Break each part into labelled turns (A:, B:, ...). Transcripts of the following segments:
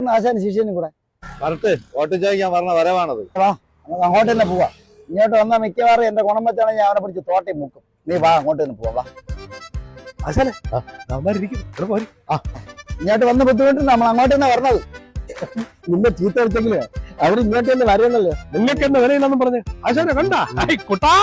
A: ആശാന് ശിഷ്യനും കൂടെ
B: വരട്ടെ, വോട്ട് ചോദിക്കാൻ പറഞ്ഞ വരവാണത്.
A: വാ, നമുക്ക് അങ്ങോട്ട് തന്നെ പോവാ. ഇങ്ങോട്ട് വന്നാൽ മിക്കവാറും എന്റെ ഗുണം വെച്ചാണെങ്കിൽ ഞാൻ അവനെ പിടിച്ച് തോട്ടി മുക്കും. നീ വാ, അങ്ങോട്ട് തന്നെ പോവാ. ആശാനെ ഇങ്ങോട്ട് വന്ന് ബുദ്ധിമുട്ട് നമ്മൾ അങ്ങോട്ട് തന്നെ വരണത്. നിന്നെ ചീത്ത അടിച്ചെങ്കില് അവർ ഇങ്ങോട്ട് തന്നെ വരുന്നല്ലോ.
C: നിങ്ങൾക്ക് എന്താ വിലയില്ലെന്നും പറഞ്ഞു ആശാനെ കണ്ട കുട്ടാ.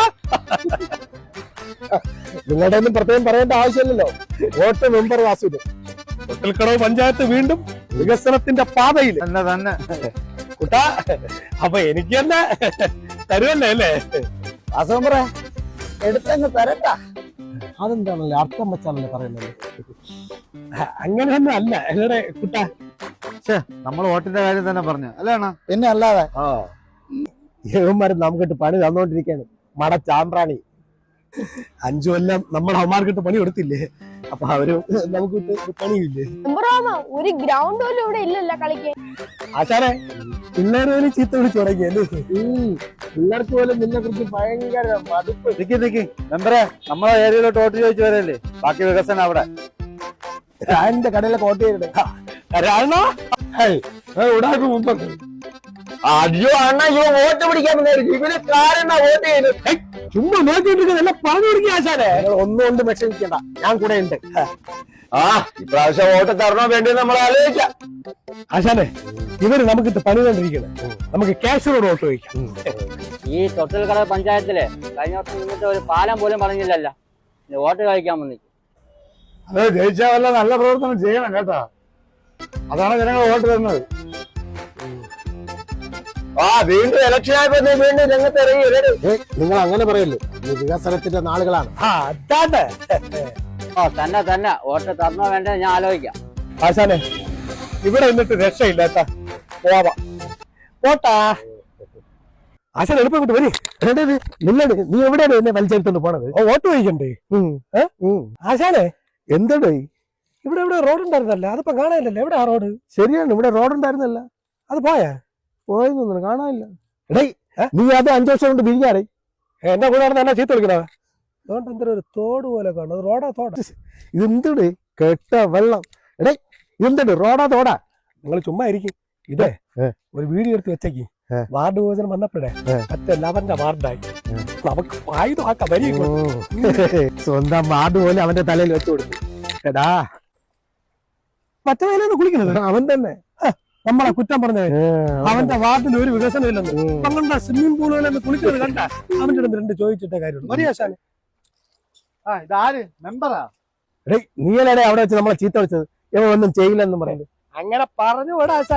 A: നിങ്ങളുടെ ഒന്നും പ്രത്യേകം പറയേണ്ട ആവശ്യമില്ലല്ലോ. വോട്ട് മെമ്പർ വാസുവിന്.
C: തൊട്ടിൽക്കടവ് പഞ്ചായത്ത് വീണ്ടും വികസനത്തിന്റെ പാതയിൽ
B: തന്നെ
C: കുട്ടാ. അപ്പൊ എനിക്ക് തന്നെ തരുമല്ലേ അല്ലേ?
A: വാസു മെമ്പറേ, എടുത്തങ്ങ് തരട്ടാ.
C: അതെന്താണല്ലേ അർത്ഥം വെച്ചാണല്ലേ പറയുന്നത്? അങ്ങനെ തന്നെ അല്ല എവിടെ കുട്ടാ.
B: നമ്മൾ വോട്ടിന്റെ കാര്യം തന്നെ പറഞ്ഞു അല്ലേണ?
A: പിന്നെ അല്ലാതെ
C: യവന്മാരും നമുക്കിട്ട് പണി തന്നോണ്ടിരിക്കാണ്. മട ചാമ്പ്രാണി 5 കൊല്ലം നമ്മൾ അവന്മാർക്കിട്ട് പണി കൊടുത്തില്ലേ? അപ്പൊ അവര് നമുക്കിട്ട് പണിയില്ലേ?
D: ഒരു ഗ്രൗണ്ട് പോലും ഇവിടെ ഇല്ലല്ലോ കളിക്കാൻ.
C: ആശാനെ പിള്ളേർ പോലും ചീത്ത വിളിച്ചു തുടങ്ങിയല്ലേ? പിള്ളേർക്ക് പോലും നിന്നെ കുറിച്ച് ഭയങ്കര മടുപ്പ്.
B: നിക്ക് മെമ്പറെ, നമ്മളെ ഏരിയയിലോട്ട് വോട്ട് ചോദിച്ചു വരല്ലേ? ബാക്കി വികസനം അവിടെ.
A: രാജന്റെ കടയിലെ കോട്ട ചെയ്തിട്ട്
C: അയ്യോ അണ്ണ ഇവ വോട്ട് പിടിക്കാൻ വന്നായിരിക്കും. ഇവര് കാരണം വോട്ട് ചെയ്ത് ചുമ്മാ നോക്കിയിട്ടിരിക്കുന്നത് എല്ലാം പറഞ്ഞു കൊടുക്കുക ആശാനെ. ഒന്നും കൊണ്ട് വിഷമിക്കണ്ട, ഞാൻ കൂടെ ഉണ്ട്.
B: ഇപ്രാവശ്യം വോട്ട് തരണോ വേണ്ടി നമ്മൾ ആലോചിക്കാം.
C: ആശാനെ ഇവര് നമുക്കിട്ട് പണി കണ്ടിരിക്കണം. നമുക്ക് ക്യാഷിനോട് വോട്ട് ചോദിക്കാം.
E: ഈ തൊട്ടിൽക്കട പഞ്ചായത്തില് കഴിഞ്ഞ വർഷം നിന്നിട്ട് ഒരു പാലം പോലും പറഞ്ഞില്ലല്ലോ. വോട്ട് കഴിക്കാൻ വന്നിട്ട്
B: അത് ജയിച്ചാൽ വല്ല നല്ല പ്രവർത്തനം ചെയ്യണം കേട്ടാ. അതാണ് ജനങ്ങൾ വോട്ട് തരുന്നത്. വീണ്ടും ഇലക്ഷൻ ആയപ്പോ വീണ്ടും രംഗത്ത് ഇറങ്ങി.
C: നിങ്ങൾ അങ്ങനെ പറയല്ലേ, ഈ വികസനത്തിന്റെ നാളുകളാണ്.
E: തന്നെ വോട്ട് തരണോ വേണ്ടേ ഞാൻ ആലോചിക്കാം.
C: ആശാനെ ഇവിടെ നിന്നിട്ട് രക്ഷയില്ലാത്ത പോവാ പോട്ടാ. ആശാൻ എളുപ്പം കൊണ്ട് വരി. നില്ലട്, നീ എവിടെയാണ് എന്നെ വലിച്ചെടുത്തോണ്ട് പോണത്? വോട്ട് ചോദിക്കണ്ടേ? ആശാനെ എന്തടേ ഇവിടെ ഇവിടെ റോഡ് ഉണ്ടായിരുന്നല്ല, അതിപ്പോ കാണാനില്ലല്ലോ. എവിടെ ആ റോഡ്? ശരിയാണ്, ഇവിടെ റോഡ് ഉണ്ടായിരുന്നല്ല, അത് പോയെന്നു കാണാനില്ല. എടേ നീ അത് 5 വർഷം കൊണ്ട് പിരിഞ്ഞാടേ. എന്റെ കൂടെ തന്നെ ചീത്ത വിളിക്കണത്. അതുകൊണ്ട് എന്തൊരു ഒരു തോട് പോലെ കാണും. റോഡാ തോടാ? ഇതെന്തടേ കെട്ട വെള്ളം. എടേ ഇതെന്തട് റോഡാ തോടാ? നിങ്ങൾ ചുമ്മാ ഇരിക്കും. ഇതേ ഒരു വീഡിയോ എടുത്ത് വെച്ചേക്ക്. വാർഡ് വിഭജനം വന്നപ്പോഴേ മറ്റേ അവന്റെ വാർഡായി. നമുക്ക് ആയുധം ആക്കാം. വരി സ്വന്തം വാർഡ് പോലെ അവന്റെ തലയിൽ വെച്ചു കൊടുത്തു. എടാ മറ്റേ വേലൊന്ന് കുളിക്കുന്നത് അവൻ തന്നെ. നമ്മളെ കുറ്റം പറഞ്ഞ അവന്റെ വാർഡിൽ ഒരു വികസനം ഇല്ലെന്ന്. അവന്റെ സ്വിമ്മിംഗ് പൂളുകളിൽ കുളിക്കുന്നത് കണ്ട അവന്റെ അടുത്ത് 2 ചോദിച്ചിട്ടേ കാര്യമുള്ളൂ. മരിയാശാനെ
B: ഇതാര് മെമ്പറാ?
C: നീയല്ലേ അവിടെ വെച്ച് നമ്മളെ ചീത്ത വിളിച്ചത്? ഇവ ഒന്നും ചെയ്യില്ലെന്നും പറയുന്നത്. അങ്ങനെ പറഞ്ഞു വിടാ.